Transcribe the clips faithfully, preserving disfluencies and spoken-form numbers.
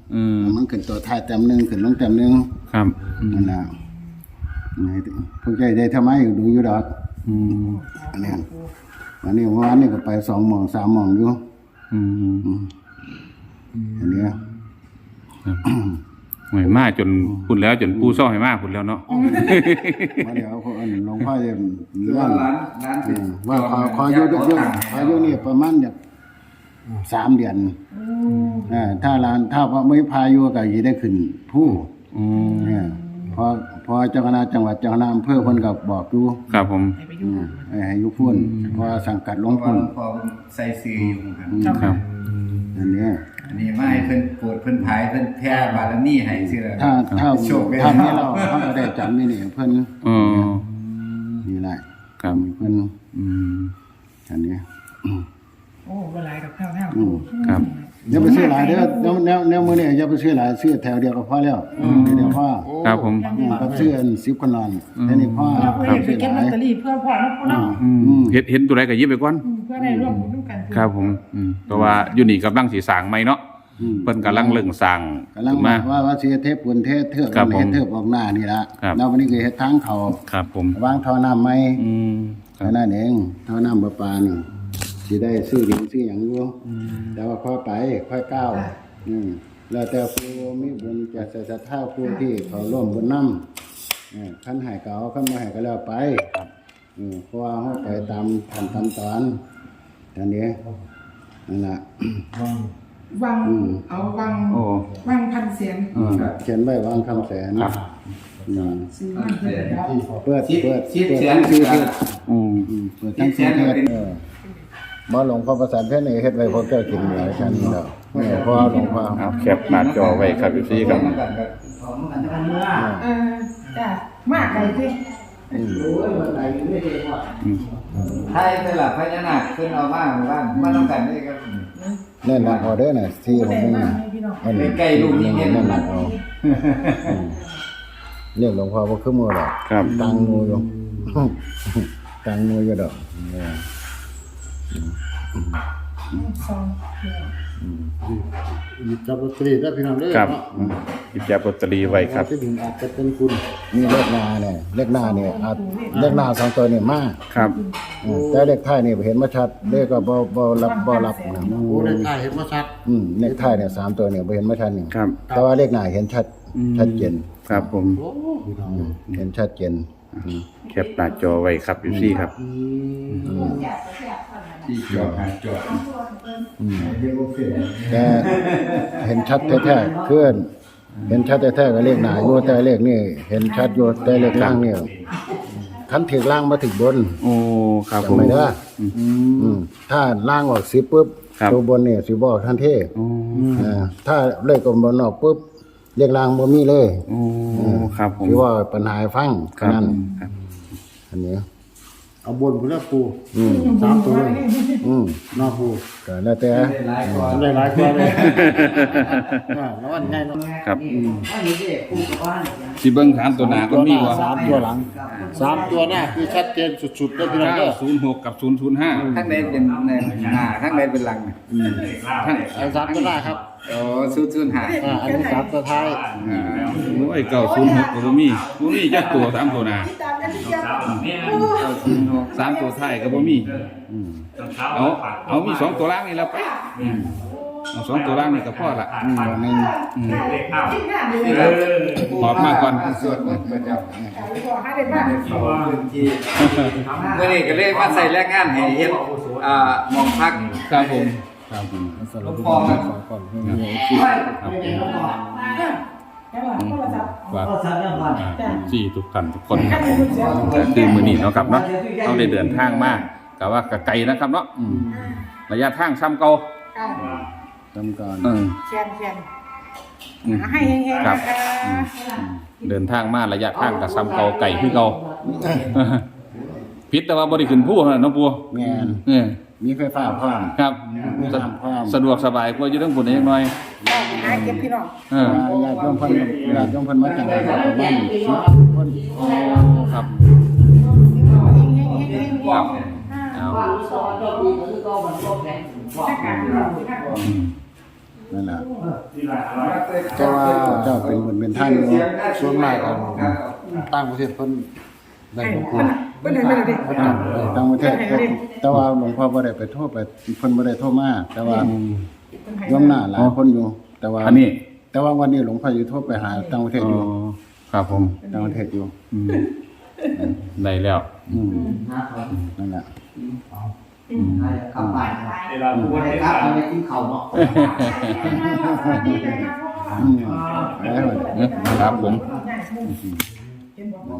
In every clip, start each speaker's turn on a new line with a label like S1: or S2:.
S1: อืม
S2: มันขึ้นตัวท้ายแต้มหนึ่งขึ้นลงแต้มหนึ่ง
S1: ครับ
S2: นั่นแหละพวกใจได้ทำไมดูอยู่ดอก
S1: อืม
S2: อันนี้วันนี้วันนี้ก็ไปสองหม่องสามหม่องอยู่
S1: อืม
S2: อันนี้
S1: หวยมากจนพุ่นแล้วจนปูซ่อให้มากพุ่นแล้วเนาะ
S2: มาเดี๋ยวคนหลวงพ่อจะว่าว่าขอขออยู่เยอะขออยู่นี่ประมาณเนี่ยสามเดือนอ่าถ้าร้านถ้าไม่พายุก็จะได้ขึ้นผู้เนี่ยพอพอเจ้าคณะจังหวัดเจ้าคณะอำเภอคนก็บอกอยู่
S1: ครับผม
S2: ให้ยุพุ่นพอสังกัดหลวงพุ่น
S3: พอใส่ซื้ออยู่
S1: ครับ
S2: อันนี้
S3: อันนี้ไม่เพิ่นปวดเพิ่นผายเพิ่นแพ้บารมีให้ซื่อแล้ว
S2: ถ้าถ้าถ้ามีเราเขาก็ได้จำนี่นี่เพิ่น
S1: อ๋อ
S2: นี่แหละ
S1: ครับ
S2: เพิ่น
S1: อืม
S2: อันนี้
S4: โอ้บ่หลายดอกแถว
S1: ๆครับ
S2: อย่าไปซื้อหลายเด้อแนวแนวแนวมื้อนี้อย่าไปซื้อหลายซื้อแถวเดียวก็พอแล้วเดี๋ยวพอ
S1: ครับผม
S2: กับซื้ออันสิบคนนอนแค่นี้พอ
S4: ครับไปเก็บลอตเตอรี่เพื่อพ่อแล้วพ่อเนาะ
S1: อืมเฮ็ดเห็นตัวใดก็หยิบไปก่อน
S4: เพื่อได้ร่วมบุญร่วมกัน
S1: ครับผมอืมเพราะว่าอยู่นี่กำลังสิสร้างใหม่เนาะเพิ่นกำลังเริ่มสร้าง
S2: กำลังมาว่าว่าสิเทพปุนเทศเทือกเฮ็ดเทือกออกหน้านี่ล่ะแล้ววันนี้ก็เฮ็ดทางเข้า
S1: ครับผม
S2: วางท่อน้ำใหม่
S1: อืม
S2: แค่นั้นเองท่อน้ำประปานี่สิได้ซื้อดินซื้อหยังอยู่แต่ว่าค่อยไปค่อยก้าวอืมแล้วแต่ผู้มีบุญจะศรัทธาผู้ที่เขาร่วมบุญนำเออคันให้ก็เอาคันบ่ให้ก็แล้วไปอืมเพราะว่าเฮาไปตามขั้นตามตอนอันนี้นั่นล่ะ
S4: วังเอาวังวังพันเสียง
S2: เขียนไว้วังคำแสน
S1: ครับ
S2: อืมเปิดเปิด
S3: สิบแสน
S2: ชื่อ
S1: อืม
S2: เปิดทั้งชื่อเออบ่หลวงพ่อประสานเพชรนี่เฮ็ดไว้พวกเจ้ากินหลายชั้นแล้วแม่พ่อหลวงพ่อ
S1: เอาแคปหน้าจอไว้ครับพี่ครับ
S4: เออจ้ะมากไปสิ
S2: อืม
S3: ไทยเป็นหลักพญานาคขึ้นเอามาหมู่บ้านมาต้องกันได้ครับ
S2: แน่นอนออเดอร์น่ะที่ผมนี่อันนี้
S3: ใกล้ลูกนี่เห็นนั่นน่ะ
S2: เอาเรียกหลวงพ่อบ่คือหมู่ดอก
S1: ครับ
S2: ตังหมู่อยู่ตังหมู่อยู่ดอกหยิบจับลอตเตอรี่ได้พี่น้องเด้อ
S1: ครับหยิบจับลอตเตอรี่ไว้ครับ
S2: ที่ถึงอาจจะเป็นคุณมีเลขหน้าเนี่ยเลขหน้าเนี่ยอาจเลขหน้าสองตัวนี่มา
S1: ครับ
S2: แต่เลขท้ายนี่เห็นบ่ชัดเลขก็บ่บ่รับบ่รับนะ
S5: โอ้เลขท้ายเห็นบ่ชัด
S2: อืมเลขท้ายเนี่ยสามตัวเนี่ยบ่เห็นบ่ชัดนี่
S1: ครับ
S2: แต่ว่าเลขหน้าเห็นชัดชัดเจน
S1: ครับผม
S2: เห็นชัดเจน
S1: แคปหน้าจอไว้ครับพี่ครับ
S3: ที่จอดจอด
S2: แต่เห็นชัดแท้ๆคือเห็นชัดแท้ๆก็เลขหน้าอยู่แต่เลขนี่เห็นชัดอยู่แต่เลขล่างนี่คันถึงล่างมาถึงบน
S1: โอ้ครับผม
S2: ไม่ได้อืมถ้าล่างออกสิปุ๊บตัวบนเนี่ยสิบอกทันทีอ่าถ้าเลขบนออกปุ๊บเลขล่างบ่มีเลย
S1: โอ้ครับผม
S2: ที่ว่าปัญหาฟังนั่นอันนี้
S5: เอาบนพุ่นละปูอืมสามตัว
S2: อืม
S5: นอกปู
S2: ก็แล้วแต่
S5: ได้หลายกว่าได้หลายกว่าเลยอ่าแล้วอันง่ายเนาะ
S1: ครับสิเบิ่งถามตัวหน้าก็มีว่า
S5: สามตัวหลังสามตัวหน้าคือชัดเจนสุดๆเลยพี่น้องเด้อ
S1: ศูนย์หกกับศูนย์ศูนย์ห้า
S3: ข้างในเป็นหน้าข้างในเป็นหลัง
S5: อืมอันสามตัวหน้าครับ
S3: อ๋อศูนย์ศูนย์ห้า
S5: อ่าอันนี้สามตัวท้าย
S1: โอ้ยเก้าศูนย์หกก็บ่มีบ่มีจักตัวสามตัวหน้าสามตัวท้ายก็บ่มีเอาเอามีสองตัวล่างนี่แล้วไปเอาสองตัวล่างนี่ก็พอละ
S2: อืมนึง
S1: อืมหอบมาก่อน
S3: สวดมนต์ประจำเมื่อนี้ก็เลยมาใส่แรงงานให้เฮ็ดอ่ามองพัก
S1: ครับผม
S2: ครับผมสรุป
S3: พอครับ
S1: ว่าสี่ทุกท่านทุกคนคือมื้อนี้เนาะครับเนาะต้องได้เดินทางมากก็ว่าก็ไกลนะครับเนาะระยะทางซ้ำเก่า
S2: ซ้ำก่อน
S1: อืม
S4: แคนๆให้แห้งๆ
S1: ครับเดินทางมาระยะทางก็ซ้ำเก่าไกลคือเก่าผิดแต่ว่าบ่ได้ขึ้นผู้เนาะปู่
S2: แม่น
S1: เออ
S2: มีไฟฟ้าพร้อม
S1: ครับสะดวกสบายกว่าอยู่ทั้งพุ่นจักหน่อย
S4: หาเก็บพี่น้อง
S2: เออญาติโยมเพิ่นญาติโยมเพิ่นมาจังได๋ประมาณสิบคน
S1: ครับครับเอา
S2: นั่นแหละ
S3: เจ้า
S2: เจ้าเป็นบุญเป็นท่านอยู่
S5: ส่วนมากกันต่างประเทศเพิ่นได้บ่ครู
S4: เพิ่นได้ไม่ได้ดิ
S5: เพิ่นจัดเลย
S2: ต่างประเทศก็แต่ว่าหลวงพ่อบ่ได้ไปโทษไปเพิ่นบ่ได้โทษมาแต่ว่าโยมหน้าหลายคนอยู่ แต่ว่า
S1: อันนี้
S2: แต่ว่าวันนี้หลวงพ่ออยู่โทษไปหาต่างประเทศ
S1: อ๋
S2: อยู่
S1: อครับผม
S2: ต่างประเทศอยู่
S1: อืมได้แล้ว
S2: อืมนั่นแหละ
S3: ขับไป
S5: เวลาผู้ว่า
S3: ครับไม่กินข้าวเนาะ
S4: ดีเลยครับพ่อ
S2: อืมแล้ว
S1: เอ๊ะครับผม
S4: เห็นบอกว่า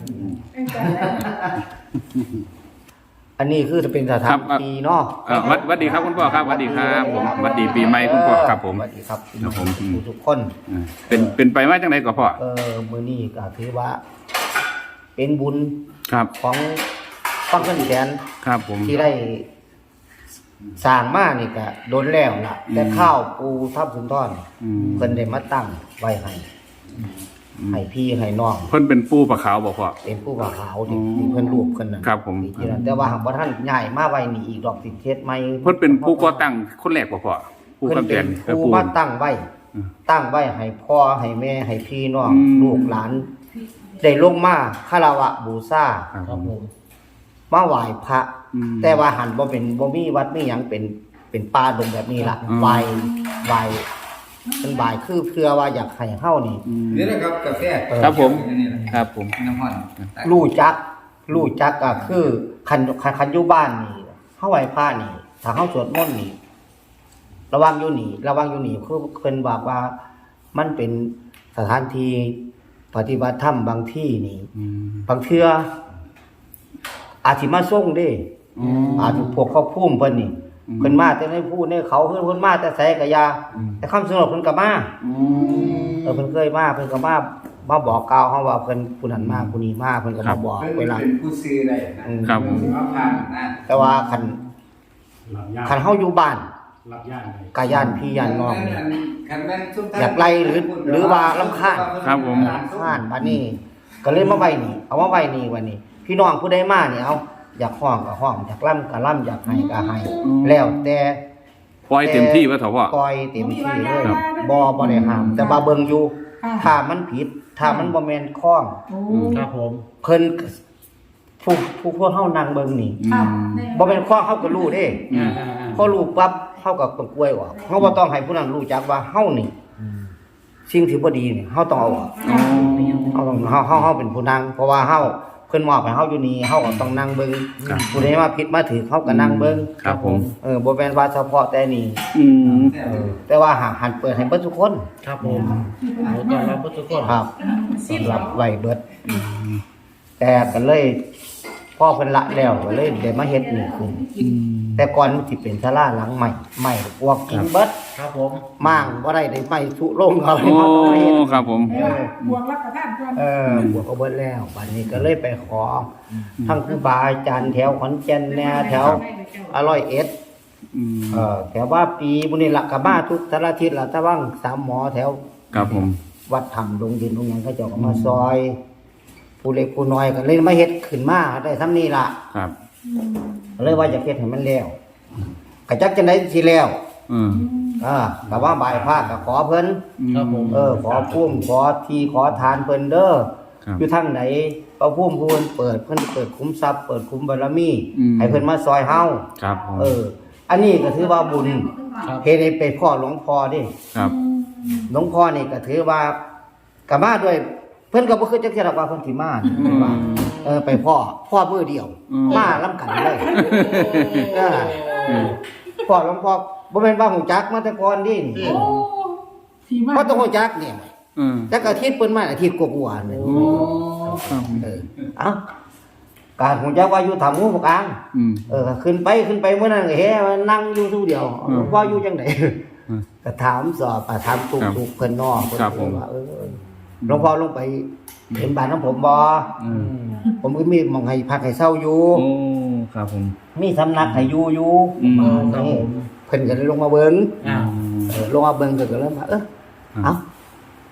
S6: อันนี้คือจะเป็นสถานที่เนาะ
S1: เอ่อวัดวัดดีครับคุณพ่อครับวัดดีครับผมวัดดีปีใหม่คุณพ่อครับผม
S6: สวัสดีครับ
S1: ครับผม
S6: ทุกคน
S1: อ่าเป็นเป็นไปว่าจังไดก็พ่อ
S6: เออมื้อนี้ก็ถือว่า เป็นบุญ
S1: ครับ
S6: ของฟังเพิ่นแสน
S1: ครับผม
S6: ที่ได้สร้างมานี่ก็โดนแล้วล่ะแต่ข้าวปูทับสุนทร
S1: อืม
S6: เพิ่นได้มาตั้งไว้ให้ให้พี่ให้น้อง
S1: เพิ่นเป็นปูปลาขาวบ่พ่อ
S6: เป็นผู้บ่าวขาวที่
S1: อ๋อ
S6: ที่เพิ่นรูปเพิ่นน่ะ
S1: ครับผม
S6: ที่นั่นแต่ว่าหากว่าท่านย้ายมาไว้นี่อีกดอกสิเทศใหม่
S1: เพิ่นเป็นผู้ก่อตั้งคนแรกบ่พ่อผู้
S6: เพิ่น
S1: คำแส
S6: เป็น
S1: นกับ
S6: ผู้
S1: ผู้
S6: มาตั้งไว้
S1: อืม
S6: ตั้งไว้ให้พ่อให้แม่ให้พี่น้อง
S1: อืม
S6: ลูกหลาน ได้ลงมาคารวะบูชา
S1: ครับผม
S6: มาไหว้พระ
S1: อืม
S6: แต่ว่าหันบ่เป็นบ่มีวัดมีหยังเป็นเป็นป่าดงแบบนี้ล่ะ
S1: อืม
S6: ไหว้ไหว้เป็นไหว้คือเพื่อว่าอยากให้เฮานี่
S1: อืม
S3: นี่นะครับกาแฟ
S1: ครับผมครับผม
S3: น้ำมัน
S6: รู้จักรู้จักก็คือคันคันคันอยู่บ้านนี่เฮาไหว้พระนี่ถ้าเฮาสวดมนต์นี่ ระวังอยู่นี่ระวังอยู่นี่คือเพิ่นบอกว่ามันเป็นสถานที่ปฏิบัติธรรมบางที่นี่
S1: อืม
S6: บางเทื่ออาจสิมาส่งเด้
S1: อ๋อ
S6: อาจสิพวกเขาพุ่มเพิ่นนี่
S1: อืม
S6: เพิ่นมาแต่ในผู้ในเขาเพิ่นเพิ่นมาแต่ไสก็ยา
S1: อืม
S6: แต่คำสนบเพิ่นก็มา
S2: อืม
S6: เออเพิ่นเคยมาเพิ่นก็มามาบอกกล่าวเฮาว่าเพิ่นผู้นั้นมาผู้นี้มาเพิ่นก็มาบอก
S3: เป็น
S6: เวลา
S3: ผู้ซื้อได้นะ
S6: อืม
S1: ครับผม
S3: ว่าผ่านนะ
S6: แต่ว่าคัน
S5: หลับย่าน
S6: คันเฮาอยู่บ้าน
S5: หลับย่านเลย
S6: กาย่านพี่ย่านน้องนี่
S3: คันแม่นซุ่มท่น
S6: อยากไล่หรือหรือว่ารำคาญ
S1: ครับผม
S6: ข้านบัดนี้ก็เลยมาไว้นี่ เอามาไว้นี่วันนี้ พี่น้องผู้ใดมานี่เอาอยากห้องก็ห้องอยากล่ำก็ล่ำอยากให้ก็ให้แล้วแต่
S1: ปล่อยเต็มที่ว่าเถอะพ่อ
S6: ปล่อยเต็มที่เลย
S1: ครับ
S6: บ่บ่ได้ห้าม แต่ว่าเบิ่งอยู่
S4: ค่ะ
S6: ถ้ามันผิด ถ้ามันบ่แม่นข้อง
S4: โอ้
S5: ครับผม
S6: เพิ่นผู้ผู้พวกเฮานั่งเบิ่งนี่
S1: อืม
S6: บ่แม่นข้องเฮาก็รู้เด้
S5: อ่าอ่าอ่า
S6: พอรู้ปั๊บเฮาก็ต้องกล้วยออกเฮาบ่ต้องให้ผู้นั้นรู้จักว่าเฮานี่สิ่งที่บ่ดีนี่เฮาต้องเอาออก
S1: อ๋อ
S6: เฮาต้องเฮาเฮาเฮาเป็นผู้นั่งเพราะว่าเฮาเพิ่นมอบให้เฮาอยู่นี่เฮาก็ต้องนั่งเบิ่ง
S1: ครับ
S6: ผู้ใดมาผิดมาถือเฮาก็นั่งเบิ่ง
S1: ครับผม
S6: เออบ่แม่นว่าเฉพาะแต่นี่
S1: อืม
S6: เออแต่ว่าหากหันเปิดให้เบิดทุกคน
S5: ครับผมเอาต้อนรับทุกคน
S6: ครับสำหรับไว้เบิดแต่ก็เลยพ่อเพิ่นละแล้วก็เลยได้มาเฮ็ดนี่ขึ้น
S1: อืม
S6: แต่ก่อนมันสิเป็นศาลาหลังใหม่ใหม่พวกกินเบิด
S5: ครับผม
S6: มั่างบ่ได้ได้ไม้สุโรงเอา
S1: โอ้
S6: เฮาต้องมาเฮ็ด
S1: ครับผม
S4: เออบวกรับประทานก่อน
S6: เออบวกก็เบิดแล้วบัดนี้ก็เลยไปขอทั้งครูบาอาจารย์แถวขอนแก่นแนวแถวอร่อยเอ็ด
S1: อืม
S6: เออแถวว่าปีบุญนี่ละกับมาทุกสารทิศละตะว่างสามหมอแถว
S1: ครับผม
S6: วัดถ้ำดงดินดงหยังเขาเจ้าก็มาซอย ผู้เล็กผู้น้อยก็เลยมาเฮ็ดขึ้นมาได้ซ้ำนี้ล่ะ
S1: ครับ
S6: ก็เลยว่าจะเฮ็ดให้มันแล้วก็จักจังได๋สิแล้ว
S1: อืม
S6: อ่าก็ว่าบายพระก็ขอเพิ่น
S5: ครับผม
S6: เออขอพุ่มขอที่ขอทานเพิ่นเด้อ
S1: ครับ
S6: อยู่ทางไหนพระพุ่มพูนเปิดเพิ่นเปิดคุ้มทรัพย์เปิดคุ้มบารมี
S1: อืม
S6: ให้เพิ่นมาซอยเฮา
S1: ครับผม
S6: เออ อันนี้ก็ถือว่าบุญ
S5: ครับ
S6: เฮ็ดให้ไปพ่อหลวงพ่อเดิ
S1: ครับ
S6: หลวงพ่อนี่ก็ถือว่ากมาด้วย เพิ่นก็บ่คือจักเที่ยหรอกว่าเพิ่นสิมานี่ว่าเออไปพ่อพ่อมือเดียว
S1: อืม
S6: มาล้ำกันเลยเออ
S1: อืม
S6: พ่อหลวงพ่อบ่แม่นว่าหูจักมาแต่ก่อนดิ
S4: โอ้ที่มา
S6: บ่ต้องหูจักเนี่ย
S1: อืม
S6: แต่ก็อาทิตย์เพิ่นมาอาทิตย์กว่าๆนี่
S1: โอ้ครับ
S6: เออเอ้าการหูจักว่าอยู่ถ้ำงูกลาง
S1: อืม
S6: เออขึ้นไปขึ้นไปมื้อนั้นก็เฮ้มันนั่งอยู่ผู้เดียว
S1: อืม
S6: หลวงพ่ออยู่จังได
S1: อืม
S6: ก็ถามสอบอ่ะถามตุก
S1: ครับ
S6: ตุกเพิ่นนอกเพิ่น
S1: ครับผม
S6: ว่าเออหลวงพ่อลงไปเห็นบ้านของผมบ่
S1: อืม
S6: ผมก็มีหมองให้พักให้เช่าอยู่
S1: โอ้ครับผม
S6: มีสำนักให้อยู่อยู่
S1: อืม
S6: เออนี่เพิ่นก็เลยลงมาเบิ่ง
S5: อ่า
S6: เออลงมาเบิ่งก็ก็เลยว่าเออเอ้า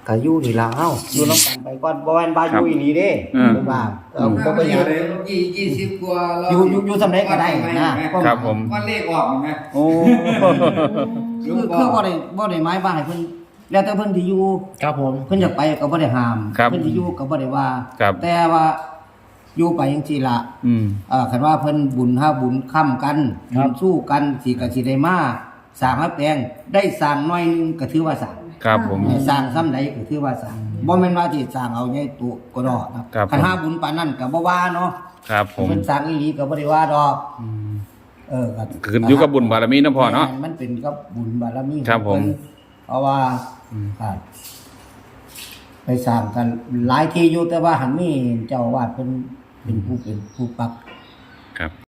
S6: ก็อยู่นี่ล่ะเฮาอยู่นำกันไปก่อนบ่แม่นว่าอยู่อีหลีเด้เพิ่นว่าเออบ่เป็นหยัง
S3: ยี่ยี่สิบกว่าเรา
S6: อยู่อยู่อยู่สำเร็จก็ได้นะครับ
S1: ผม
S3: ว่าเลขออกเห็นไหม
S1: โอ้
S6: คือคือบ่ได้บ่ได้หมายว่าให้เพิ่นแล้วแต่เพิ่นสิอยู่
S5: ครับผม
S6: เพิ่นอยากไปก็บ่ได้ห้าม
S1: ครับ
S6: เพิ่นสิอยู่ก็บ่ได้ว่า
S1: ครับ
S6: แต่ว่าอยู่ไปจังซี่ล่ะ
S1: อืม
S6: เอ่อคันว่าเพิ่นบุญห้าบุญค้ำกันบุญสู้กันสิก็สิได้มาสร้างมาแปลงได้สร้างน้อยหนึงก็ถือว่าสร้าง
S1: ครับผม
S6: สร้างซ้ำใดก็ถือว่าสร้างบ่แม่นว่าสิสร้างเอาใหญ่โตก็ดอกนะครับ คัน
S1: ผม
S6: หาบุญปานนั้นก็บ่ว่าเนาะ
S1: ครับผม
S6: เพิ่นสร้างอีหลีก็บ่ได้ว่าดอกเออก็
S1: ขึ้นอยู่กับบุญบารมีนะพ่อเนาะ
S6: แม่มันเป็นกับบุญบารมี
S1: ครับผม
S6: ของเพิ่นเพราะว่าครับไปสร้างกันหลายที่อยู่แต่ว่าหันมีเจ้าอาวาสเพิ่นเป็นผู้เป็นผู้ปรับ
S1: ครับ